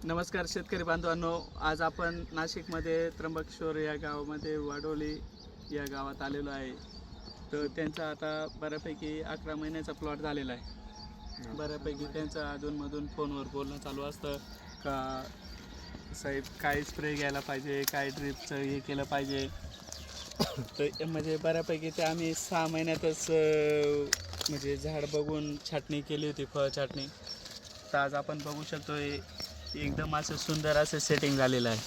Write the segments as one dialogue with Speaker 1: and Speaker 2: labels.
Speaker 1: नमस्कार शेतकरी बांधवांनो, आज आपण नाशिकमध्ये त्र्यंबकेश्वर या गावामध्ये वाडोली या गावात आलेलो आहे. तर त्यांचा आता बऱ्यापैकी 11 महिन्याचा प्लॉट झालेला आहे. बऱ्यापैकी त्यांचं अधूनमधून फोनवर बोलणं चालू असतं का साहेब काय स्प्रे घ्यायला पाहिजे, काय ड्रिपचं हे केलं पाहिजे. तर म्हणजे बऱ्यापैकी ते आम्ही 6 महिन्यातच म्हणजे झाड बघून छाटणी केली होती, फळ छाटणी. तर आज आपण बघू शकतो एकदम असं सुंदर असं सेटिंग झालेलं आहे.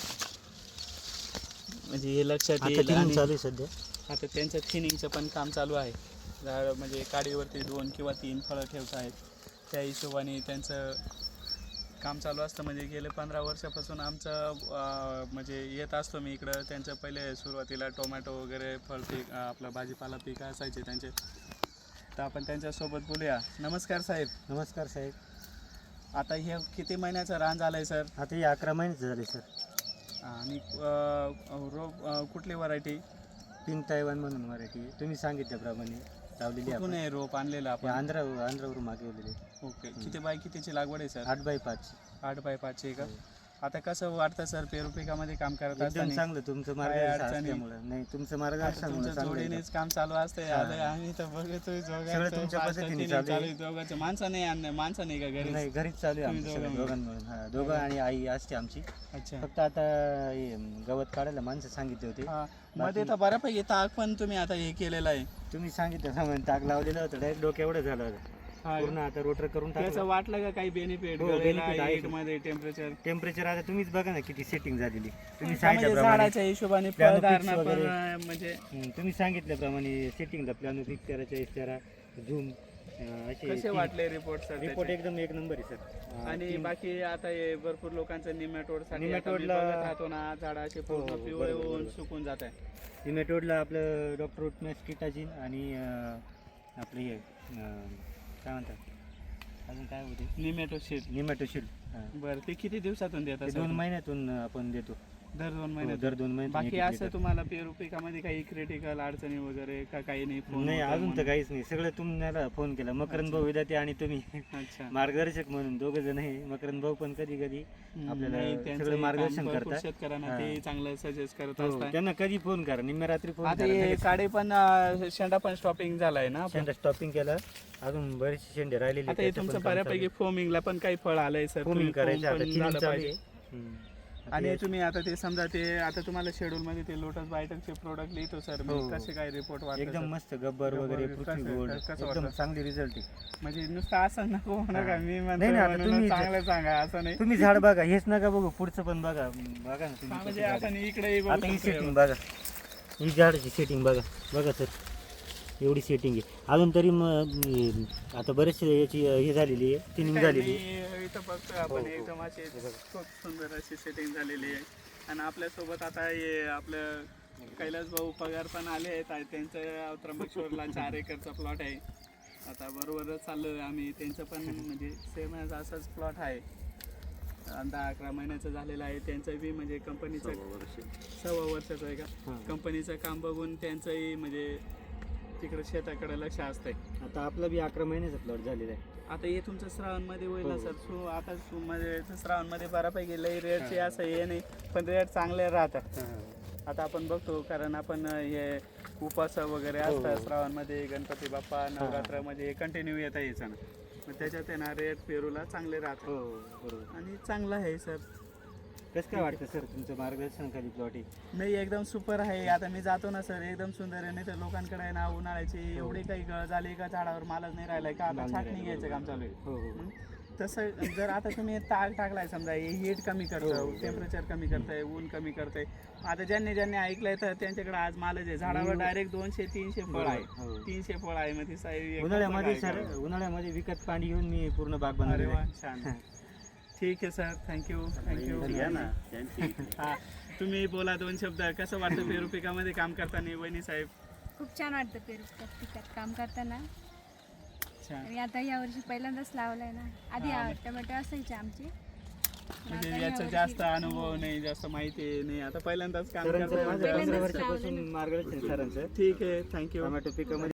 Speaker 1: म्हणजे हे लक्षात येईल. आणि
Speaker 2: चालू सध्या
Speaker 1: आता त्यांचं थिनिंगचं पण काम चालू आहे. झाड म्हणजे काडीवरती 2 किंवा 3 फळं ठेवत आहेत, त्या हिशोबाने त्यांचं काम चालू असतं. म्हणजे गेले 15 वर्षापासून आमचं म्हणजे येत असतो मी इकडं. त्यांचं पहिले सुरुवातीला टोमॅटो वगैरे फळ पीक आपलं भाजीपाला पीक असायचे त्यांचे. तर आपण त्यांच्यासोबत बोलूया. नमस्कार साहेब.
Speaker 2: नमस्कार साहेब.
Speaker 1: आता हे किती महिन्याचं रान झालं आहे सर?
Speaker 2: आता हे 11 महिन्याचं झाले सर.
Speaker 1: आणि रोप कुठली व्हरायटी?
Speaker 2: पिंक तायवान म्हणून व्हरायटी तुम्ही सांगितल्याप्रमाणे लावलेली आहे.
Speaker 1: कुठून आहे रोप आणलेलं आपण?
Speaker 2: आंध्रावरून मागवलेले.
Speaker 1: ओके. किती बाय कितीची लागवड आहे सर?
Speaker 2: 8x5.
Speaker 1: 8x5 आहे का? आता कसं वाटतं सर पेरू पिकामध्ये काम करत
Speaker 2: एकदम
Speaker 1: असताना?
Speaker 2: चांगलं तुमचं मार्गदर्शन असल्यामुळे. नाही तुमचं मार्गदर्शन
Speaker 1: तुमच्या जोडीनेच काम चालू असतंय. आता आम्ही तर बघतोय
Speaker 2: तुमच्या पद्धतीने चालू आहे.
Speaker 1: दोघांचं. माणसं नाही का घरी?
Speaker 2: नाही घरीच चालू आहे आमचं सगळं दोघांमधून. हा, दोघं आणि आई असते आमची.
Speaker 1: अच्छा.
Speaker 2: फक्त आता हे गवत काढायला माणसं सांगितले होते.
Speaker 1: मध्ये तर बऱ्यापैकी ताक पण तुम्ही आता हे केलेलं आहे.
Speaker 2: तुम्ही सांगितलं ताक लावलेलं होतं, डायरेक्ट डोक्या एवढं झालं होतं पूर्ण. आता रोटर करून
Speaker 1: त्याचं वाटलं का काही बेनिफिट?
Speaker 2: हो, benefit आहे.
Speaker 1: मध्ये
Speaker 2: टेम्परेचर आता तुम्हीच बघा ना किती सेटिंग झालेली. तुम्ही
Speaker 1: म्हणजे
Speaker 2: सांगितल्याप्रमाणे
Speaker 1: झाडाच्या हिशोबाने
Speaker 2: Planopics
Speaker 1: फळधारणा पण
Speaker 2: वगैरे.
Speaker 1: म्हणजे
Speaker 2: तुम्ही सांगितल्याप्रमाणे सेटिंगला प्लॅनोपिक 13 झूम
Speaker 1: कसे वाटले रिपोर्ट सर?
Speaker 2: रिपोर्ट एकदम एक नंबर आहे सर.
Speaker 1: आणि बाकी आता हे भरपूर लोकांचं निमॅटोड साठी
Speaker 2: निमॅटोडला-
Speaker 1: राहतो ना, झाडाचे पूर्ण
Speaker 2: हो,
Speaker 1: पिवळे
Speaker 2: बरोबर,
Speaker 1: होऊन
Speaker 2: बरोबर.
Speaker 1: सुकून जात आहे.
Speaker 2: निमॅटोडला आपलं डॉक्टर रुटमॅस किटाजिन आणि आपलं हे काय म्हणतात अजून काय होते निमॅटोशील.
Speaker 1: बरं, ते किती दिवसातून देतात?
Speaker 2: 2 महिन्यातून आपण देतो.
Speaker 1: दर 2 महिन्यात.
Speaker 2: दर 2 महिन्यात.
Speaker 1: बाकी असं तुम्हाला पेरू पिकामध्ये काही क्रिटिकल अडचणी वगैरे का काही नाही? फोन
Speaker 2: नाही अजून तर काहीच नाही. सगळं तुम्हाला फोन केला. मकरंद भाऊ विद्यार्थी आणि तुम्ही
Speaker 1: अच्छा.
Speaker 2: मार्गदर्शक म्हणून दोघं जण आहे. मकरंद भाऊ पण कधी कधी आपल्याला
Speaker 1: त्यांचं
Speaker 2: सगळं मार्गदर्शन
Speaker 1: काम भरपूर
Speaker 2: करतात.
Speaker 1: शेतकऱ्यांना ते चांगलं सजेस्ट करत
Speaker 2: हो,
Speaker 1: असतात.
Speaker 2: त्यांना कधी फोन करा, निम्म्या रात्री फोन
Speaker 1: आता
Speaker 2: करा.
Speaker 1: हे काडे पण शेंडा पण स्टॉपिंग झालाय ना?
Speaker 2: शेंडा स्टॉपिंग केला, अजून बरेचसे शेंडे राहिलेले.
Speaker 1: आता हे तुमचं बऱ्यापैकी फोमिंगला पण काही फळ आलंय सर?
Speaker 2: फोमिंग करायचं आता,
Speaker 1: पण
Speaker 2: थिनिंग
Speaker 1: झालं
Speaker 2: चालू
Speaker 1: पाहिजे.
Speaker 2: आहे.
Speaker 1: आणि तुम्ही आता ते समजा ते आता तुम्हाला शेड्यूल मध्ये ते लोटस बायटरचे प्रोडक्ट लिहितो सर मी.
Speaker 2: हो.
Speaker 1: कसे काय रिपोर्ट वाटतात?
Speaker 2: एकदम मस्त गब्बर वगैरे पृथ्वी गोल्ड
Speaker 1: कसं
Speaker 2: एकदम
Speaker 1: वाटतं?
Speaker 2: चांगली रिझल्ट आहे.
Speaker 1: म्हणजे नुसतं असं नको म्हणू का? मी
Speaker 2: नाही, आता
Speaker 1: म्हणतो
Speaker 2: तुम्ही-
Speaker 1: चांगलं सांगा असं नाही.
Speaker 2: तुम्ही झाड बघा, हेच नका बघू, पुढचं पण बघा ना तुम्ही.
Speaker 1: म्हणजे
Speaker 2: कसं
Speaker 1: असं
Speaker 2: झाड
Speaker 1: नाही इकडे
Speaker 2: आहे. आता ही सेटिंग बघा, ही झाडाची सेटिंग बघा सर, एवढी सेटिंग आहे. अजून तरी मग आता बरेचसे याची हे झालेली आहे, थिनिंग झालेली आहे.
Speaker 1: इथं बघतोय आपण एकदम अशी खूप सुंदर अशी सेटिंग झालेली आहे. आणि आपल्यासोबत आता हे आपलं कैलास भाऊ पगार पण आले आहेत. त्यांचं त्र्यंबकेश्वरला 4 एकरचा प्लॉट आहे. आता बरोबरच चाललं आम्ही. त्यांचं पण म्हणजे सेम असाच प्लॉट आहे. 10-11 महिन्याचं झालेलं आहे. त्यांचं बी म्हणजे कंपनीचं 6 वर्षाचं आहे का? कंपनीचं काम बघून त्यांचंही म्हणजे तिकडे शेताकडे लक्ष असतंय.
Speaker 2: आता आपला बी 11 महिन्याचा प्लॉट झालेला आहे.
Speaker 1: आता हे तुमचं श्रावणमध्ये होईल ना सर? आता म्हणजे श्रावणमध्ये बऱ्यापैकी लई रेटचे असं हे नाही, पण रेट चांगले राहतात. आता आपण बघतो कारण आपण हे उपास वगैरे असतात श्रावणमध्ये, गणपती बाप्पा नवरात्रामध्ये कंटिन्यू येता यायचं ना, मग त्याच्यात आहे ना रेट पेरूला चांगले राहतात.
Speaker 2: बरोबर.
Speaker 1: आणि चांगलं आहे सर.
Speaker 2: कसं काय वाटतं सर तुमचं मार्गदर्शन खाली प्लॉट आहे?
Speaker 1: नाही एकदम सुपर आहे. आता मी जातो ना सर एकदम सुंदर आहे. नाही तर लोकांकडे आहे ना उन्हाळ्याची एवढी काही गळ झाली का झाडावर मालच नाही राहिलाय का? आता छाटणी घ्यायचं काम चालू आहे. तसं जर आता तुम्ही ताग टाकलाय समजा, हे हीट कमी करतं, टेम्परेचर कमी करतंय, ऊन कमी करतंय. आता ज्यांनी ऐकलंय तर त्यांच्याकडे आज मालच आहे. झाडावर डायरेक्ट 200-300 फळ आहे. 300 फळ आहे. मग ती साहेब
Speaker 2: उन्हाळ्यामध्ये सर, उन्हाळ्यामध्ये विकत पाणी घेऊन मी पूर्ण बाग
Speaker 1: अरे
Speaker 2: बनवली.
Speaker 1: वा, छान. ठीक आहे सर, थँक्यू. हा, तुम्ही बोला 2 शब्द. कसं वाटतं पेरू पिकामध्ये काम करताना वहिनी साहेब?
Speaker 3: खूप छान वाटतं पेरू पिकात काम करताना.
Speaker 1: छान.
Speaker 3: आणि आता यावर्षी पहिल्यांदाच लावलाय ना. आधी टोमॅटो असायचे आमचे.
Speaker 1: म्हणजे याचा जास्त अनुभव नाही, जास्त माहिती नाही. आता पहिल्यांदाच काम
Speaker 2: सरांचं
Speaker 1: करताय.
Speaker 2: माझं 15 वर्षापासून मार्गदर्शन सरांचं.
Speaker 1: ठीक आहे, थँक्यू.
Speaker 2: टोमॅटो पिकामध्ये